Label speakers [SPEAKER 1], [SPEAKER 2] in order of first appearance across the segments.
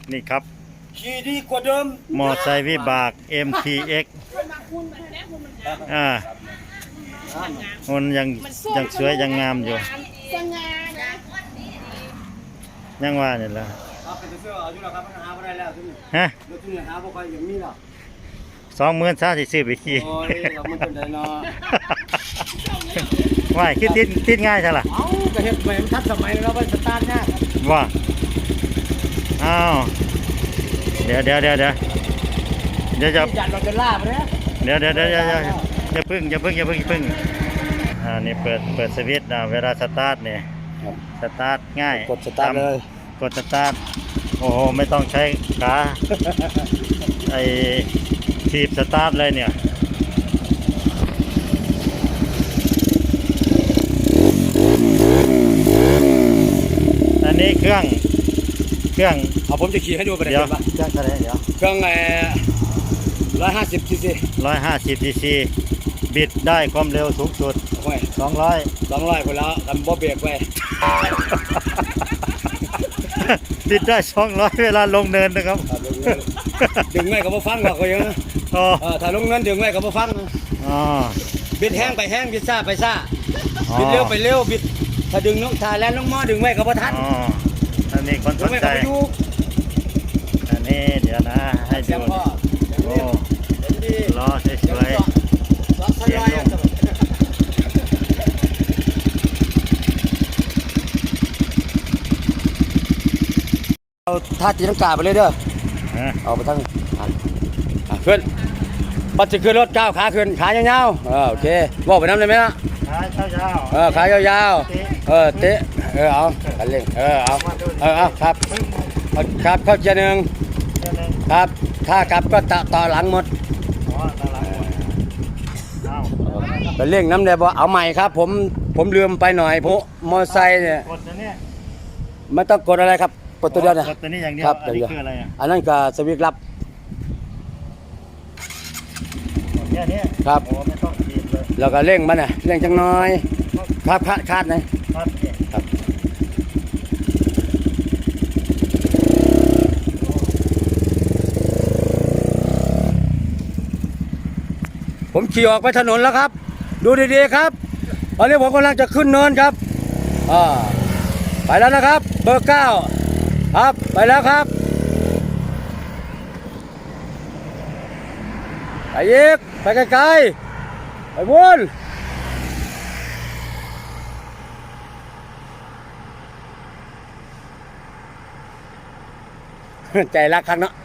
[SPEAKER 1] นี่ครับ
[SPEAKER 2] ขี่ดีกว่าเดิม
[SPEAKER 1] มอไซค์วิบาก MTX หุ่นยังสวยยังงามอยู่ยังว่านี่แหละฮะ20,000ซะสิซื้อไปขี่ว่าคิดติดง่ายใช่ล่ะ
[SPEAKER 2] เอ้าก็เฮ็ดใหม่มันทันสมัยแล้วมันสตาร์ทยาก
[SPEAKER 1] ว่าอ้าวเดี๋ยวจะ
[SPEAKER 2] ยันเราจะล่าไปนะ
[SPEAKER 1] เดี๋ยวอย่าพึ่งนี่เปิดสวิตช์นะเวลาสตาร์ทเนี่ยสตาร์ทง่าย
[SPEAKER 2] กดสตาร์ทเลย
[SPEAKER 1] กดสตาร์ทโอ้โหไม่ต้องใช้ขาไอ้ทีบสตาร์ทเลยเนี่ยอันนี้เครื่อง
[SPEAKER 2] เอาผมจะขี่ให้ดูกัน
[SPEAKER 1] เดี๋ยวเครื่องอะไรเดี๋ยว
[SPEAKER 2] เครื่อง150 cc
[SPEAKER 1] 150 cc บิดได้ความเร็วสูงสุด200
[SPEAKER 2] คนแล้วทำบ่เบรกไว้
[SPEAKER 1] บิดได้200เวลาลงเนินนะครับ
[SPEAKER 2] ดึงไว้กับบ่ฟังหรอกก็ยังถ้าลงเนินดึงไว้กับบ่ฟังบิดแห้งไปแห้งบิดซ่าไปซ่าบิดเร็วไปเร็วบิดถ้าดึงน้องถ้าแล่นลงมอดึงไว้กับบ่ทัน
[SPEAKER 1] อันนี้คนสนใจอันนี้เดี๋ยวนะให้ดูโอ้ล้อสวยๆเสียงลง
[SPEAKER 2] เอาท่าตีลังกาไปเลยเด้อเอาไปทั้งขึ้นปัจจุบันรถก้าวขาขึ้นขายาวๆโอเคบอกไปน้ำได้ไหมล่ะขายาวๆเตะเอากันเล่งเอาครับเข้าเจนึงครับถ้ากลับก็ต่อหลังหมดกันเล่งน้ำได้บ่เอาใหม่ครับผมลืมไปหน่อยผมมอไซค์เนี่ยไม่ต้องกดอะไรครับกดตัวเดียวนะ
[SPEAKER 1] กดตัวนี้อย่างเดียว
[SPEAKER 2] ครับ
[SPEAKER 1] อันนี้คืออะไร
[SPEAKER 2] อันนั้นก็สวิตช์ลับ
[SPEAKER 1] แค่นี้
[SPEAKER 2] ครับ
[SPEAKER 1] ไม่ต้องขีดเลย
[SPEAKER 2] แล้วก็เร่งมันน่ะเร่งจังน้อยครับคาดนะ
[SPEAKER 1] ครับ
[SPEAKER 2] ผมขี่ออกไปถนนแล้วครับดูดีๆครับตอนนี้ผมกำลังจะขึ้นเนินครับไปแล้วนะครับเบอร์9ครับไปแล้วครับไปอีกไปไกลๆไปวนใจรักครั้งเนาะ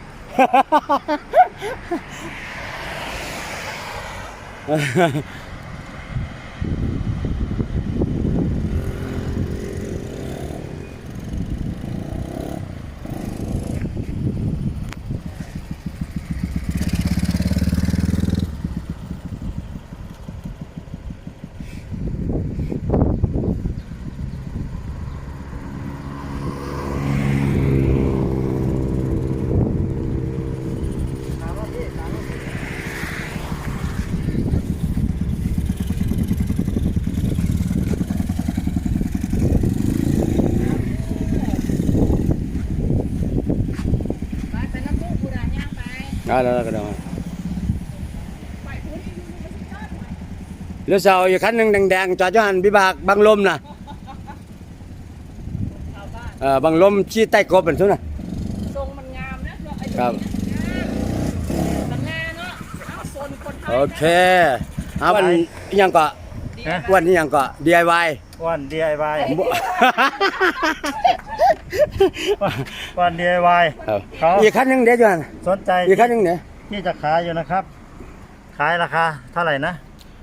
[SPEAKER 2] แล้วก็ได้เรือเสาอยู่คันหนึ่งแดงๆจอดอยู่หันบิบากบางลมนะบางลมชี้ใต้กบเป็นทุนนะ
[SPEAKER 3] ทรงมันงามนะครับมันงามเนาะโซนคนไทย
[SPEAKER 2] โอเควันยังก็วันนี้ยังก็ DIY
[SPEAKER 1] วัน DIY วัน DIY
[SPEAKER 2] อีกคันหนึ่งเดี๋ยวจะ
[SPEAKER 1] สนใจ
[SPEAKER 2] อีกคันหนึ่งเนี่ย
[SPEAKER 1] ที่จะขายอยู่นะครับขายราคาเท่าไหร่นะ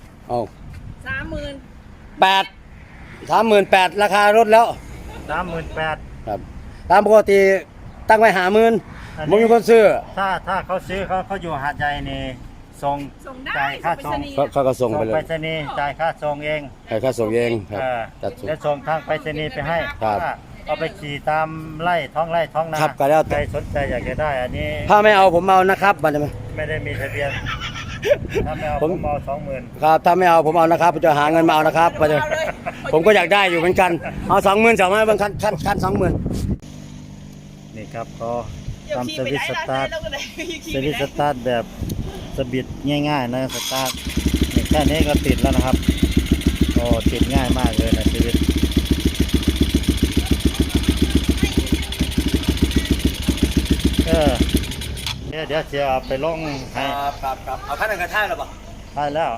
[SPEAKER 2] 38,000ราคารถแล้ว
[SPEAKER 1] 38,000
[SPEAKER 2] ครับตามปกติตั้งไว้50,000ผมมีคนซื้อ
[SPEAKER 1] ถ้าเขาซื้อเขาอยู่หาดใหญ่นี่ส่งจ่ายค่าส่ง
[SPEAKER 2] เขาก็ส่งไปเลย
[SPEAKER 1] ไปรษณีย์จ่ายค่าส่งเอง
[SPEAKER 2] ค่าส่งเองครับ
[SPEAKER 1] แล้วส่งทางไปรษณีย์ไปให้เอาไปขี่ตามไร่ท้องนา
[SPEAKER 2] ครับก็แล้ว
[SPEAKER 1] ใครสนใจอยากจะได้อันนี้
[SPEAKER 2] ถ้าไม่เอาผมเอานะครับมันจะ
[SPEAKER 1] ไม่ได้มีทะเบียนถ้าไม่เอาผมเอา20,000
[SPEAKER 2] ครับถ้าไม่เอาผมเอานะครับจะหาเงินมาเอานะครับผมก็อยากได้อยู่เหมือนกันเอา20,000สามารถบางคัน20,000
[SPEAKER 1] นี่ครับก็ทำสวิตช์สตาร์ทสวิตช์สตาร์ทแบบสบิดง่ายๆนะสตาร์ทแค่นี้ก็ติดแล้วนะครับโอ้ติดง่ายมากเลยนะสวิตช์เดี๋ยวจะเอาไปลงให้
[SPEAKER 2] ครับเอาขั้นหนึ่งกระท่ายหรอเปล่า
[SPEAKER 1] ได้แล้ว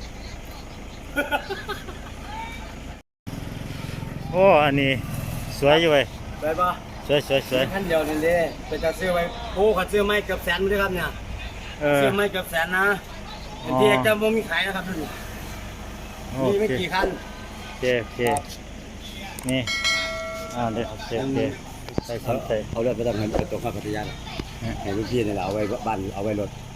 [SPEAKER 1] โอ้อันนี้สวยอยู่เว้ย
[SPEAKER 2] ได้ป่ะ
[SPEAKER 1] สวยสวยสวย
[SPEAKER 2] ขั้นเดียวนี่เลยเป็นจะซื้อไว้โอ้เขาซื้อไม้เกือบแสนเลยครับเนี่ยซื้อไม้เกือบแสนนะที่เอกจะมีขายนะครับทุกนี่ไม่กี่คัน
[SPEAKER 1] โอเคนี่เดี๋ยวใส่สนใจ
[SPEAKER 2] เอาเลือดไปทำเงินเป็นตัวข้าพัทยาให้ลูกพี่นี่แหละเอาไว้บ้านเอาไว้รถ